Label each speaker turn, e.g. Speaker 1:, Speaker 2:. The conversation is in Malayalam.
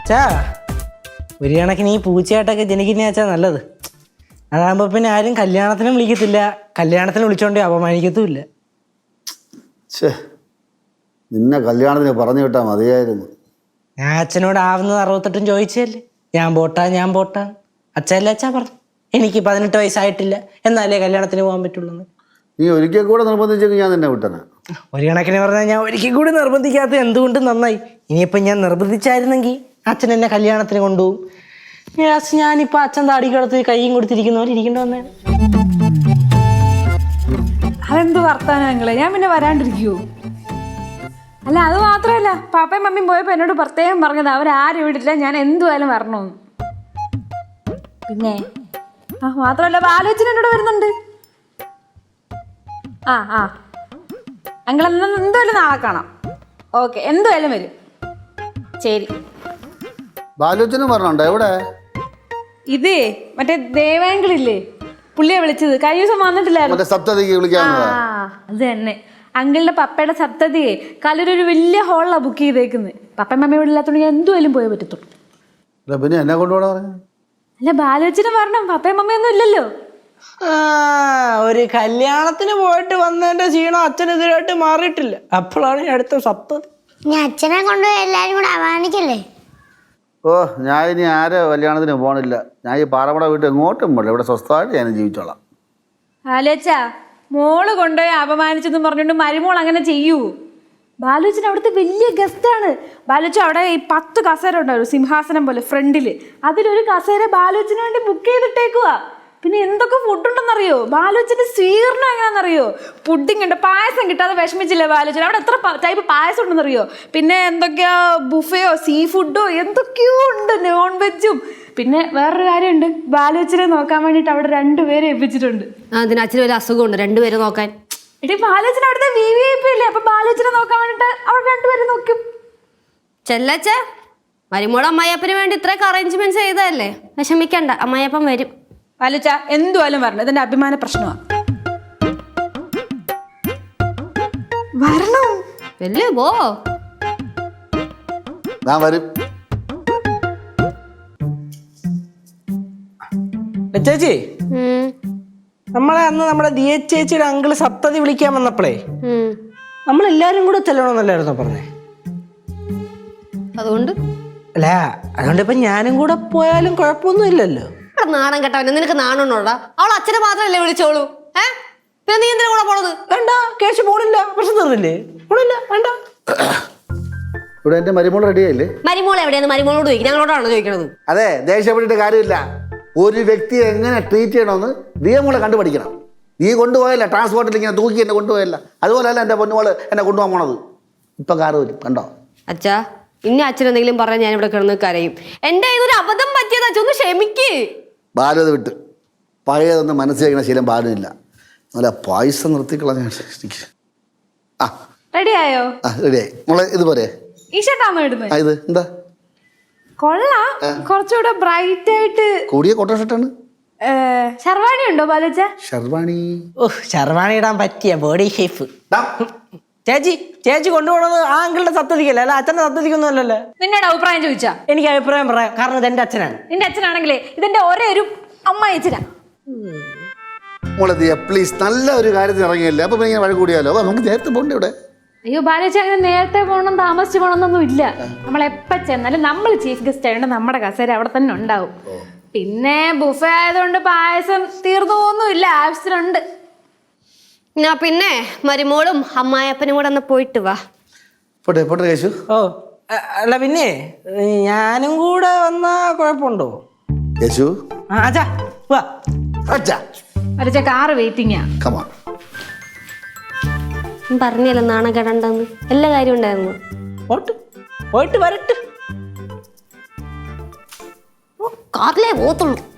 Speaker 1: അച്ഛാ ഒരു കണക്കിന് ഈ പൂച്ചയായിട്ടൊക്കെ ജനിക്കുന്ന അച്ഛാ നല്ലത്. അതാകുമ്പോ പിന്നെ ആരും കല്യാണത്തിനും വിളിക്കത്തില്ല, കല്യാണത്തിന് വിളിച്ചോണ്ടേ അപമാനിക്കത്തുമില്ല.
Speaker 2: നിന്നെ കല്യാണത്തിന് പറഞ്ഞു വിട്ടാൽ മതിയായിരുന്നു.
Speaker 1: ഞാൻ അച്ഛനോട് ആവുന്നത് 68 ചോദിച്ചല്ലേ, ഞാൻ പോട്ടാ. അച്ഛല്ലേ അച്ഛാ പറഞ്ഞു എനിക്ക് 18 വയസ്സായിട്ടില്ല, എന്നാലേ കല്യാണത്തിന് പോകാൻ പറ്റുള്ളൂ.
Speaker 2: നീ ഒരിക്കൽ കൂടെ നിർബന്ധിച്ചെങ്കിൽ ഞാൻ നിന്നെ വിട്ടന.
Speaker 1: ഒരു കണക്കിന് പറഞ്ഞാൽ ഞാൻ ഒരിക്കൽ കൂടി നിർബന്ധിക്കാത്ത എന്തുകൊണ്ട് നന്നായി. ഇനിയിപ്പം ഞാൻ നിർബന്ധിച്ചായിരുന്നെങ്കിൽ അച്ഛൻ എന്നെ കല്യാണത്തിന് കൊണ്ടുപോകും. ഞാനിപ്പോൾ അച്ഛൻ താടിക്കടത്ത് കൈയും കൊടുത്തിരിക്കുന്നവർ ഇരിക്കേണ്ടി വന്നേ.
Speaker 3: അതെന്ത് വർത്താനങ്ങളെ, ഞാൻ പിന്നെ വരാണ്ടിരിക്കുവോ? അല്ല അത് മാത്രമല്ല, പാപ്പയും മമ്മിയും പോയപ്പോൾ എന്നോട് പ്രത്യേകം പറഞ്ഞത് അവരാരും വിടില്ല, ഞാൻ എന്തുവായാലും വരണമെന്ന്. പിന്നെ മാത്രമല്ല ബാലോചന എന്നോട് വരുന്നുണ്ട്. അങ്ങൾ എന്തായാലും നാളെ കാണാം. ഓക്കെ, എന്തായാലും വരും. ശരി.
Speaker 2: ബാലോചന പറഞ്ഞുണ്ടോ? എവിടെ?
Speaker 3: ഇതേ മറ്റേ ദേവാങ്കിളില്ലേ, പുള്ളിയെ വിളിച്ചത്. കഴിഞ്ഞ ദിവസം വന്നിട്ടില്ലായിരുന്നു. അത് തന്നെ, അങ്കിളിന്റെ പപ്പയുടെ സപ്തതിയെ കലൊരു വലിയ ഹോളിലാണ് ബുക്ക് ചെയ്തേക്കുന്നത്. പപ്പയും മമ്മയും ഇവിടെ ഇല്ലാത്തതുകൊണ്ട് ഞാൻ എന്തുമായാലും പോയേ പറ്റത്തുള്ളൂ.
Speaker 2: പിന്നെ എന്നെ കൊണ്ടുപോകണം.
Speaker 3: അല്ല ബാലോചന പറഞ്ഞു, പപ്പയും മമ്മയൊന്നും ഇല്ലല്ലോ.
Speaker 1: ഒരു കല്യാണത്തിന് പോയിട്ട് വന്നതിന്റെ ക്ഷീണം അച്ഛനെതിരായിട്ട് മാറിയിട്ടില്ല. അപ്പോഴാണ് അടുത്ത സപ്തതി.
Speaker 4: അച്ഛനെ കൊണ്ടുപോയി എല്ലാരും കൂടെ അപമാനിക്കല്ലേ?
Speaker 2: ഓ, ഞാൻ ഇനി ആരോ കല്യാണത്തിന് പോകണില്ല. ഞാൻ ഈ പാറമട വീട്ടിൽ എങ്ങോട്ടും പോകില്ല. ഇവിടെ സ്വസ്ഥമായിട്ട് ഞാൻ ജീവിച്ചോളാം.
Speaker 3: ബാലോച്ചാ, മോള് കൊണ്ടുപോയി അപമാനിച്ചെന്ന് പറഞ്ഞുകൊണ്ട് മരുമോൾ അങ്ങനെ ചെയ്യൂ? ബാലോച്ചൻ അവിടുത്തെ വലിയ ഗസ്റ്റാണ്. ബാലോച്ച അവിടെ ഈ 10 കസേര ഉണ്ടാവും, സിംഹാസനം പോലെ ഫ്രണ്ടില്. അതിലൊരു കസേര ബാലോച്ചന് വേണ്ടി ബുക്ക് ചെയ്തിട്ടേക്കുവാ. പിന്നെ എന്തൊക്കെ ഫുഡുണ്ടെന്നറിയോ? ബാലോച്ചന്റെ സ്വീകരണം എങ്ങനെയാണെന്നറിയോ? പുഡിംഗ് ഉണ്ട്, പായസം കിട്ടാതെ വിഷമിച്ചില്ലേ ബാലോച്ചൻ? അവിടെ എത്ര ടൈപ്പ് പായസം ഉണ്ടെന്നറിയോ? പിന്നെ എന്തൊക്കെയാ ബുഫയോ സീ ഫുഡോ എന്തൊക്കെയോ ഉണ്ട്, നോൺ വെജും. പിന്നെ വേറൊരു കാര്യമുണ്ട്, ബാലോച്ചനെ നോക്കാൻ വേണ്ടിയിട്ട് അവിടെ 2 പേരെ ഏൽപ്പിച്ചിട്ടുണ്ട്.
Speaker 5: അതിന് അച്ഛന് ഒരു അസുഖമുണ്ട് 2 പേരെ നോക്കാൻ.
Speaker 3: എടി ബാലോച്ചൻ അവിടുത്തെ VVIP ഇല്ലേ, അപ്പൊ ബാലോച്ചനെ നോക്കാൻ വേണ്ടിട്ട് അവിടെ 2 പേരെ നോക്കും.
Speaker 5: ചെല്ലച്ച, മരുമോളെ അമ്മായിയപ്പന് വേണ്ടി ഇത്രയൊക്കെ അറേഞ്ച്മെന്റ്സ് ചെയ്തതല്ലേ, വിഷമിക്കണ്ട, അമ്മായിയപ്പൻ വരും.
Speaker 3: ബാലോച്ച എന്തുവാലും വരണം, ഇതെന്റെ അഭിമാന പ്രശ്നമാണ്. വരണം
Speaker 5: വല്ലേ പോ.
Speaker 2: ഞാൻ വരും.
Speaker 1: ചേച്ചി, നമ്മളെ അന്ന് നമ്മുടെ ദിയ ചേച്ചിയുടെ അങ്കിള് സപ്തതി വിളിക്കാൻ വന്നപ്പോഴേ നമ്മളെല്ലാരും കൂടെ ചെല്ലണമെന്നല്ലായിരുന്നോ പറഞ്ഞേ?
Speaker 5: അതുകൊണ്ട്
Speaker 1: ഇപ്പൊ ഞാനും കൂടെ പോയാലും കുഴപ്പമൊന്നും ഇല്ലല്ലോ.
Speaker 5: നാണം കേട്ടവനെ, നിനക്ക് നാണോടാ? അവൾ അച്ഛനെ മാത്രല്ലേ വിളിച്ചോളൂ. പിന്നെ നീ എന്തിനാ കൂടെ പോണത്?
Speaker 1: വേണ്ട, കേശു പോണില്ല, പ്രശ്നം തീർന്നില്ലേ? പോണില്ല, വേണ്ട.
Speaker 2: ഇവിടെ എന്റെ മരുമോൾ റെഡിയായില്ലേ?
Speaker 5: മരുമോൾ എവിടെയാണ്? മരുമോളോട് ചോദിക്കും, ഞങ്ങളോടാണോ ചോദിക്കണത്?
Speaker 2: അതെ, ദേഷ്യപ്പെട്ടിട്ട് കാര്യമില്ല. ഒരു വ്യക്തിയെ എങ്ങനെ ട്രീറ്റ് ചെയ്യണമെന്ന് നിയമങ്ങളെ കണ്ടുപഠിക്കണം. നീ കൊണ്ടുപോയല്ല, ട്രാൻസ്പോർട്ടിൽ ഇങ്ങനെ തൂക്കി എന്നെ കൊണ്ടുപോയല്ല. അതുപോലെയല്ല എൻ്റെ പൊന്നുമോള് എന്നെ കൊണ്ടുപോകാൻ പോണത്. ഇപ്പൊ കാറ് വരും, കണ്ടോ?
Speaker 5: അച്ഛാ, ഇനി അച്ഛൻ എന്തെങ്കിലും പറഞ്ഞാൽ ഞാൻ ഇവിടെ കിടന്ന് കരയും. എന്റെ ഇതൊരു അബദ്ധം പറ്റിയത്, അച്ഛൻ ഒന്ന് ക്ഷമിക്ക്.
Speaker 2: ബാലത് വിട്ട് പഴയതൊന്നും മനസ്സിലാക്കുന്ന ശീലം ബാലിനില്ല. നല്ല പായസം നിർത്തിക്കളഞ്ഞ.
Speaker 3: റെഡിയായോ?
Speaker 2: റെഡിയായി മോളെ. ഇതുപോലെ
Speaker 3: ഈ ഷർട്ടാണോ ഇടുന്നത്?
Speaker 2: ഇത് എന്താ
Speaker 3: കൊള്ളാം, കുറച്ചുകൂടെ ബ്രൈറ്റ് ആയിട്ട്.
Speaker 2: കൂടിയ കോട്ടൺ ഷർട്ടാണ്.
Speaker 3: ശർവാണി ഉണ്ടോ ബാലോച്ച?
Speaker 2: ഷർവാണി?
Speaker 1: ഷർവാണി ഇടാൻ പറ്റിയ ബോഡി ഷേപ്പ്. ചേച്ചി കൊണ്ടുപോകണത് ആ അങ്കിളുടെ സപ്തതിക്കല്ലേ, അല്ല അച്ഛന്റെ സപ്തതിക്കൊന്നും അല്ലല്ലോ.
Speaker 3: നിങ്ങളുടെ അഭിപ്രായം ചോദിച്ചാ?
Speaker 1: എനിക്ക് അഭിപ്രായം പറയാം, കാരണം ഇത് എന്റെ അച്ഛനാണ്.
Speaker 3: നിന്റെ അച്ഛനാണെങ്കിലേ ഇതെന്റെ ഒരേ ഒരു അമ്മയച്ഛനാ.
Speaker 2: മോളെ ദിയ പ്ലീസ്, നല്ല ഒരു കാര്യത്തിൽ ഇറങ്ങിയല്ലേ, അപ്പൊ ഇങ്ങനെ വഴി കൂടിയാലോ. നമുക്ക് നേരത്തെ പോകണ്ടേ ഇവിടെ?
Speaker 3: അയ്യോ ബാലോച്ച, അങ്ങനെ നേരത്തെ പോകണം താമസിച്ച് പോകണമെന്നൊന്നും ഇല്ല. നമ്മൾ എപ്പോ ചെന്നാലും നമ്മൾ ചീഫ് ഗസ്റ്റ് ആയതുകൊണ്ട് നമ്മുടെ കസേര അവിടെ തന്നെ ഉണ്ടാവും. പിന്നെ ബുഫേ ആയതുകൊണ്ട് പായസം തീർന്നു പോകുന്നില്ല, ആവശ്യത്തിനുണ്ട്.
Speaker 5: പിന്നെ മരുമോളും അമ്മായിയപ്പനും കൂടെ ഒന്ന് പോയിട്ട് വാ.
Speaker 2: പോട്ടെ പോട്ടെ കേശു.
Speaker 1: അല്ല പിന്നെ ഞാനും കൂടെ വന്നാ കുഴപ്പമുണ്ടോ?
Speaker 2: കേശു
Speaker 3: ബാലോച്ച കാറ് വെയിറ്റിംഗാ.
Speaker 5: പറഞ്ഞല്ലോ നാണം കെടണ്ടെന്ന്, എല്ലാ കാര്യം ഉണ്ടായിരുന്നു.
Speaker 1: പോയിട്ട് വരട്ടെ.
Speaker 5: കാറിലേ പോത്തുള്ളൂ.